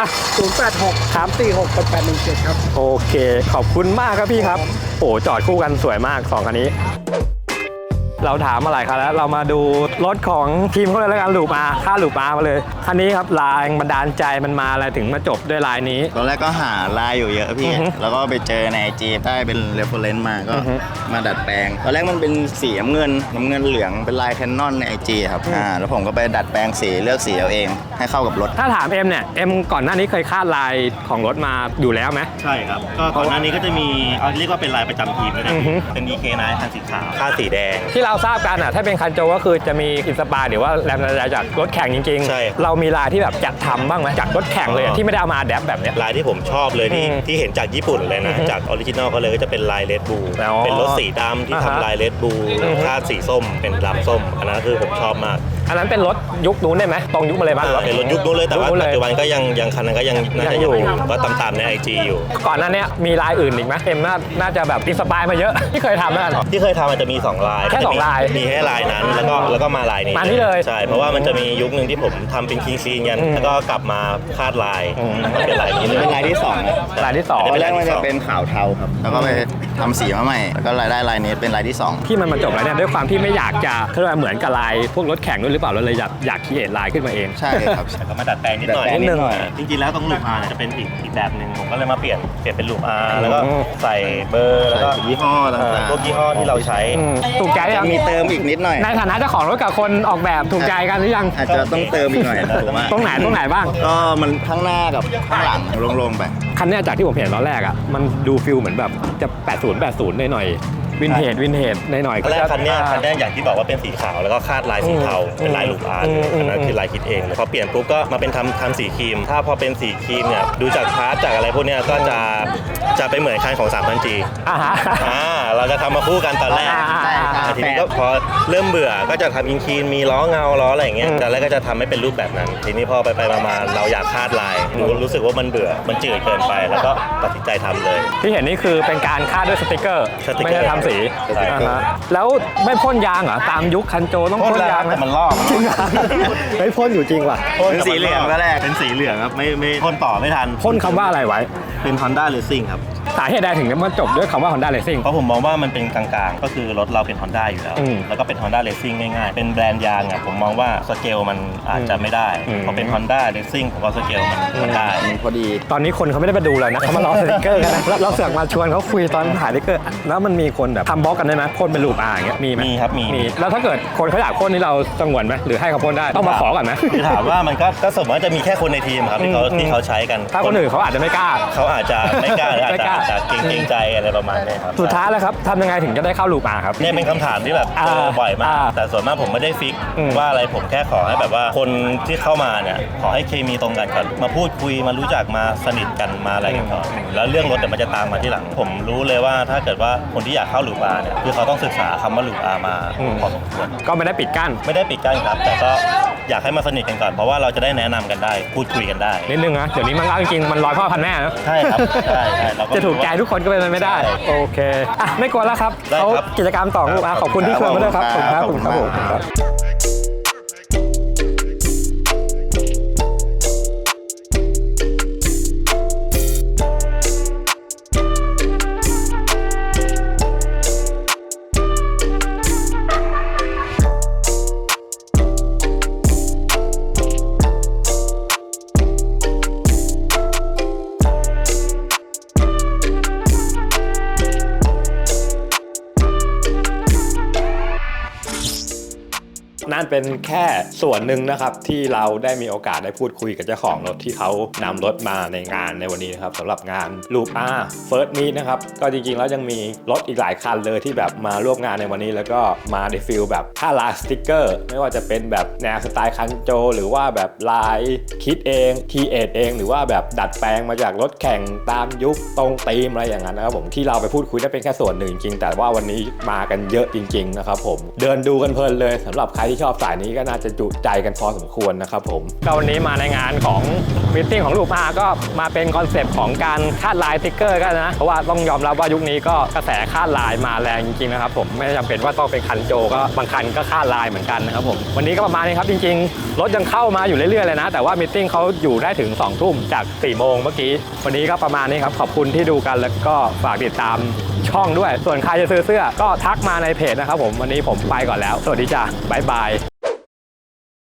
A: 086-346-8817ครับ
C: โอเคขอบคุณมากครับพี่ครับโอ้จอดคู่กันสวยมาก2คันนี้เราถามมาหลายคันแล้วเรามาดูรถของทีมเขาเลยแล้วกันลูปอาค่าลูปอามาเลยคันนี้ครับลายบันดาลใจมันมาอะไรถึงมาจบด้วยลายนี้
B: ตอนแรกก็หาลายอยู่เยอะพี่แล้วก็ไปเจอใน IG ได้เป็นเรฟเฟอเรนซ์มาก็มาดัดแปลงตอนแรกมันเป็นสีน้ำเงินเหลืองเป็นลายแคนนอนใน IG ครับแล้วผมก็ไปดัดแปลงสีเลือกสีเอาเองให้เข้ากับรถ
C: ถ้าถามเอ็มเนี่ยเอ็มก่อนหน้านี้เคยคาดลายของรถมาอยู่แล้วไหม
H: ใช่ครับก็ก่อนหน้านี้ก็จะมีเรียกว่าเป็นลายประจำทีมเลยนะเป็น EK9 คันสีขาวค่าสีแดง
C: ที่เราทราบกันถ้าเป็นคันโจก็คือจะมีอินสปายหรือว่าแรงบันดาลใจจากรถแข่งจริง
H: ๆใช่
C: เรามีลายที่แบบจัดทำบ้างไหมจากรถแข่งเลยที่ไม่ได้เอามาแดปแบบนี้
H: ลายที่ผมชอบเลยที่เห็นจากญี่ปุ่นเลยนะจากออริจินอลเขาเลยก็จะเป็นลายเลดบูเป็นรถสีดำที่ทำลายเลดบูค่าสีส้มเป็นดำส้มอันนั้นคือผมชอบมาก
C: อันนั้นเป็นรถยุคนู้นได้ไหมตรงยุคมาเลยบ้าง
H: เป็นรถยุคนู้นเลยแต่ว่าปัจจุบันก็ยังคันนั้นก็ยังอยู่ก็ตามใน IG อยู่
C: ก่อนหน้านี้มีลายอื่นอีกไหมเอ็มน่าจะแบบอินสปายมาเยอะที่เคยทำนั่น
H: ที่เคยทำมันจะมี2ลาย
C: แค่2ลาย
H: มีแค่ลายนั้นแล้วก็มาลายนี้
C: เลย
H: ใช่เพราะว่ามันจะมียุคนึงที่ผมทำเป็นคิงซีนกันแล้วก็กลับมาคาดลายเป็นลายนี้เลย
B: เป็นลายที่2
C: ลายที่2
B: ตอนแรกมันจะเป็นขาวเทาครับแล้วก็ไปทำสีมาใหม่แล้วก็ได้ลายนี้เป็นลายที่2
C: ที่มันมาจบแล้วเนี่ยด้วยความที่ไม่อยากจะเหมือนกับลายพวกรถแข่งด้วยหรือเปล่าเราเลยอยากคิดลายขึ้นมาเอง
B: ใช่ครับ
H: ก็มาดัดแปลงนิดหน่อยจริงๆแล้วตรงลูปอาร์จะเป็นอีกแบบนึงผมก็เลยมาเปลี่ยนเป็นลูปอาร์แล้วก็ใส่เบอร์แล้วก็
B: ยี่ห้อต่าง
H: ๆพวกยี่ห้อที่เราใช้
C: ถูกใจยัง
B: มีเติมอีกนิดหน่อย
C: ในฐานะเจ้าของรถกับคนออกแบบถูกใจกันหรือยัง
B: อาจจะต้องเติมอีกหน่อย
C: ตรงไหนบ้าง
B: ก็มันข้างหน้ากับข้างหลังโล่งๆไป
C: คันนี้จากที่ผมเห็นตอนแรกมันดูฟิลเหมือนแบบจะ80หน่อยวินเทจหน่อย
H: แรกคันนี้อย่างที่บอกว่าเป็นสีขาวแล้วก็คาดลายสีเทาเป็นลายลูกอาร์อันนั้นคือลายคิดเองพอเปลี่ยนปุ๊บก็มาเป็นทำสีครีมถ้าพอเป็นสีครีมเนี่ยดูจากพาร์ทจากอะไรพวกนี้ก็จะไปเหมือนคันของ 3,000G เราจะทำมาคู่กันตอนแรกทีนี้ก็พอเริ่มเบื่อก็จะทำอินครีมมีล้อเงาล้ออะไรอย่างเงี้ยแต่แรกก็จะทำให้เป็นรูปแบบนั้นทีนี้พอไปมาเราอยากคาดลายรู้สึกว่ามันเบื่อมันจืดเกินไปแล้วก็ตัดสินใจทำเลย
C: ที่เห็นนี่คือเป็นการคาดด้วยสติกเกอร์ไม่ได้ทำสีแล้วไม่พ่นยางเหรอตามยุคคันโจต้องพ่นยาง
H: แต่มันลอก
C: จริงเหรอไม่พ่นอยู่จริงว่ะ
H: เป็นสีเหลืองก็แรกเป็นสีเหลืองครับไม่พ่นต่อไม่ทัน
C: พ่นคำว่าอะไรไว้
H: เป็น Honda Racing ครับ
C: สาเหตุใดถึงมันจบด้วยคำว่า Honda Racing
H: เพราะผมมองว่ามันเป็นกลางๆ ก็คือรถเราเป็น Honda อยู่แล้ว แล้วก็เป็น Honda Racing ง่ายๆ เป็นแบรนด์ยางอ่ะผมมองว่าสเกลมันอาจจะไม่ได้พอเป็น Honda Racing ผมว่าสเกลมันได้พอดี
C: ตอนนี้คนเขาไม่ได้มาดูเลยนะเขามารอสติกเกอร์กันนะเราเสือกมาชวนเขาคุยตอนถ่ายสติกเกอร์แล้วมันมีคนแบบทำบล็อกกันได้ไหมพ่นเป็นรูปอย่างเงี้ยมีไหม
H: มีครับมี
C: แล้วถ้าเกิดคนเขาอยากพ่นนี่เราสงวนไหมหรือให้เขาพ่นได้ต้องมาขอก่อนไหม
H: คือถามว่ามันก็สมมติว่าจะมีแค่คนในทีมครับที่เขาใช้กัน
C: ถ้าคนอื่นเขาอาจจะไม่กล้า
H: เขาอาจจะไม่กล้าหรืออาจ
C: ไม่กล้า
H: จะเกรงใจอะไรประมาณนี้ครับ
C: สุดท้ายแล้วครับทำยังไงถึงจะได้เข้าลูปครับ
H: เนี่ยเป็นคำถามที่แบบเจอบ่อยมากแต่ส่วนมากผมไม่ได้ฟิกว่าอะไรผมแค่ขอให้แบบว่าคนที่เข้ามาเนี่ยขอให้เคมีตรงกันก่อนมาพูดคุยมารู้จักมาสนิทกันมาอะไรกันก่อนแล้วเรื่องรถเดี๋ยวมันจะตามมาที่หลังผมรู้เลยว่าถ้าเกิดว่าคนที่อยากเข้าลูปอาเนี่ยคือเขาต้องศึกษาคำว่าลูปอามาพอสมควร
C: ก็ไม่ได้ปิดกั้น
H: ไม่ได้ปิดกั้นครับแต่ก็อยากให้มาสนิทกันก่อนเพราะว่าเราจะได้แนะนำกันได้พูดคุยกันได้
C: นิดนึงนะเดี๋ยวนี้มันจริงๆมันร้อยพ่อพันแม่นะ
H: ใช่ครับใช่เราก็
C: จะถูกใจทุกคนก็เป็นไปไม่ได้โอเคอ่ะไม่กลัวแล้วครับ
H: ได้
C: เขา
H: ครับ
C: กิจกรรมต่อลูปขอบคุณที่ชวนมาด้วยครับขอบคุณครับขอบคุณครับผมครับ นั่นเป็นแค่ส่วนหนึ่งนะครับที่เราได้มีโอกาสได้พูดคุยกับเจ้าของรถที่เขานำรถมาในงานในวันนี้นะครับสำหรับงาน Loop R First Meet นะครับก็จริงๆแล้วยังมีรถอีกหลายคันเลยที่แบบมาร่วมงานในวันนี้แล้วก็มาในฟิลแบบค่าลายสติ๊กเกอร์ไม่ว่าจะเป็นแบบแนวสไตล์คันโจหรือว่าแบบลายคิดเองคีเอทเองหรือว่าแบบดัดแปลงมาจากรถแข่งตามยุคตรงธีมอะไรอย่างนั้นนะครับผมที่เราไปพูดคุยได้เป็นแค่ส่วนหนึ่งจริงแต่ว่าวันนี้มากันเยอะจริงๆนะครับผมเดินดูกันเพลินเลยสำหรับใครที่ชอบสายนี้ก็น่าจะจุใจกันพอสมควรนะครับผมก็วันนี้มาในงานของมิทติ้งของลูปอาก็มาเป็นคอนเซปต์ของการคาดลายสติ๊กเกอร์กันนะเพราะว่าต้องยอมรับว่ายุคนี้ก็กระแสคาดลายมาแรงจริงๆนะครับผมไม่จำเป็นว่าต้องเป็นคันโจก็บางคันก็คาดลายเหมือนกันนะครับผมวันนี้ก็ประมาณนี้ครับจริงๆรถยังเข้ามาอยู่เรื่อยๆเลยนะแต่ว่ามิทติ้งเขาอยู่ได้ถึง2 ทุ่มจาก4 โมงเมื่อกี้วันนี้ก็ประมาณนี้ครับขอบคุณที่ดูกันแล้วก็ฝากติดตามช่องด้วยส่วนใครจะซื้อเสื้อก็ทักมาในเพจนะครับผมวันนี้ผมไปก่อนแล้วสวัสดีจ้ะบ๊ายบาย